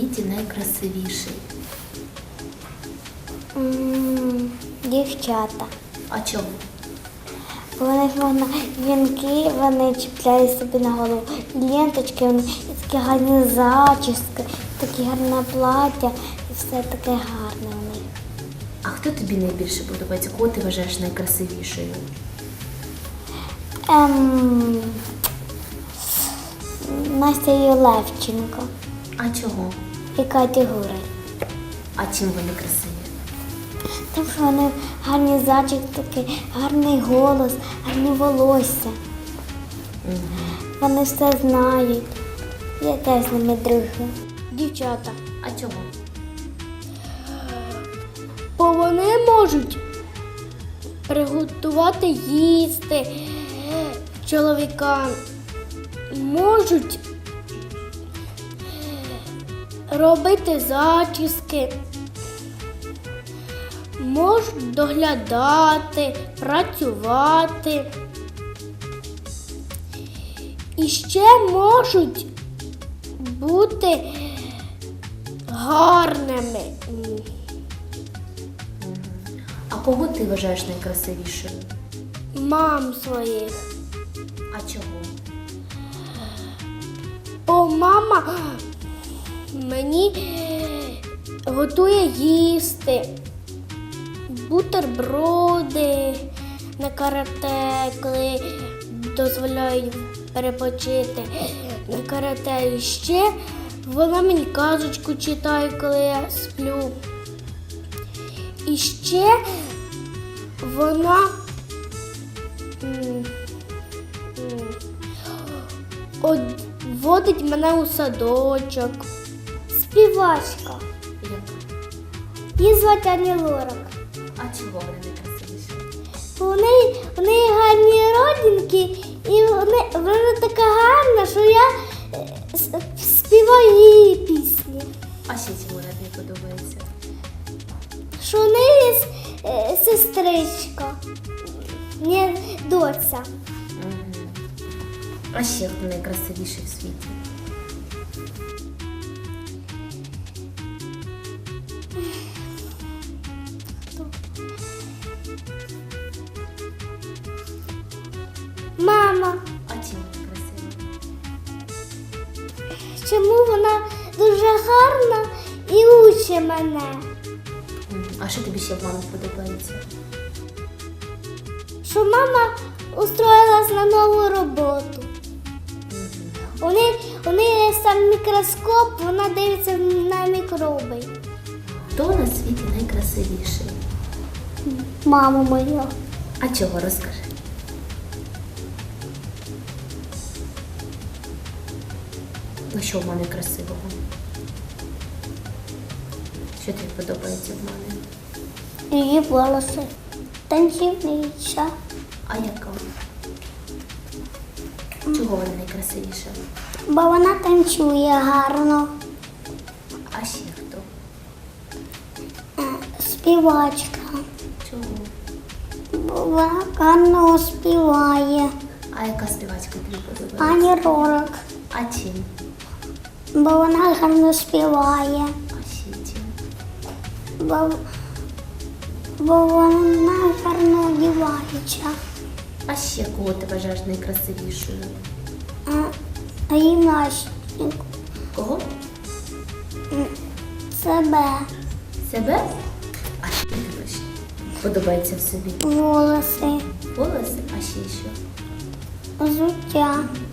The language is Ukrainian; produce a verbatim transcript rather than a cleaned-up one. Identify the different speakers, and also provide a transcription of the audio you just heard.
Speaker 1: світі найкрасивіший?
Speaker 2: М, Дівчата.
Speaker 1: А чому?
Speaker 2: У них можна вінки, вони чіпляють собі на голову. Ленточки, вони і такі гарні зачіски, такі гарне плаття, і все таке гарне у них.
Speaker 1: А хто тобі найбільше подобається? Кого ти вважаєш найкрасивішою?
Speaker 2: Ем, Настя Левченко
Speaker 1: А чого?
Speaker 2: і Катя Гурель.
Speaker 1: А чим вони красиві?
Speaker 2: Тому що вони гарні зачіски, гарний голос, гарні волосся.
Speaker 1: Угу.
Speaker 2: Вони все знають. Я теж з ними дружу. Дівчата.
Speaker 1: А чого?
Speaker 2: Бо вони можуть приготувати їсти чоловікам, можуть робити зачіски, можуть доглядати, працювати. І ще можуть бути гарними.
Speaker 1: А кого ти вважаєш найкрасивішою?
Speaker 2: Мам своїх.
Speaker 1: А чого?
Speaker 2: Бо мама мені готує їсти, бутерброди на карате, коли дозволяють перепочити на карате. І ще вона мені казочку читає, коли я сплю. І ще вона м, м, от, водить мене у садочок. Співачка.
Speaker 1: Яка?
Speaker 2: Її звати Ані Лорак.
Speaker 1: А чого вони найкрасивіші?
Speaker 2: Вони, вони гарні родинки, і вони, вона така гарна, що я е, с- співаю її пісні.
Speaker 1: А ще чому вона тобі подобається?
Speaker 2: Що в неї є е, сестричка, не доця.
Speaker 1: Угу. А ще хто найкрасивіший в світі?
Speaker 2: Мама,
Speaker 1: А чим вона красива?
Speaker 2: чому вона дуже гарна і учить мене?
Speaker 1: Мгм. А що тобі ще в мамі подобається?
Speaker 2: Що мама устроїлась на нову роботу. У неї, у неї є сам мікроскоп, вона дивиться на мікроби.
Speaker 1: Хто на світі найкрасивіший?
Speaker 2: Мама моя.
Speaker 1: А чого, розкажи? Ну що в мамі красивого? Що тобі подобається в мамі?
Speaker 2: Її волоси. Танцівниця.
Speaker 1: А яка? Чого вона найкрасивіша?
Speaker 2: Бо вона танцює гарно.
Speaker 1: А ще хто?
Speaker 2: Співачка.
Speaker 1: Чого?
Speaker 2: Бо вона гарно співає.
Speaker 1: А яка співачка тобі подобається?
Speaker 2: Ані Лорак.
Speaker 1: А чим?
Speaker 2: Бо вона гарно співає.
Speaker 1: А ще чим?
Speaker 2: Бо, бо вона гарно одягається.
Speaker 1: А ще кого ти вважаєш найкрасивішою?
Speaker 2: А гімнастику.
Speaker 1: Кого?
Speaker 2: Себе.
Speaker 1: Себе? А що тобі ще подобається в собі?
Speaker 2: Волоси.
Speaker 1: Волоси? А ще що?
Speaker 2: Взуття.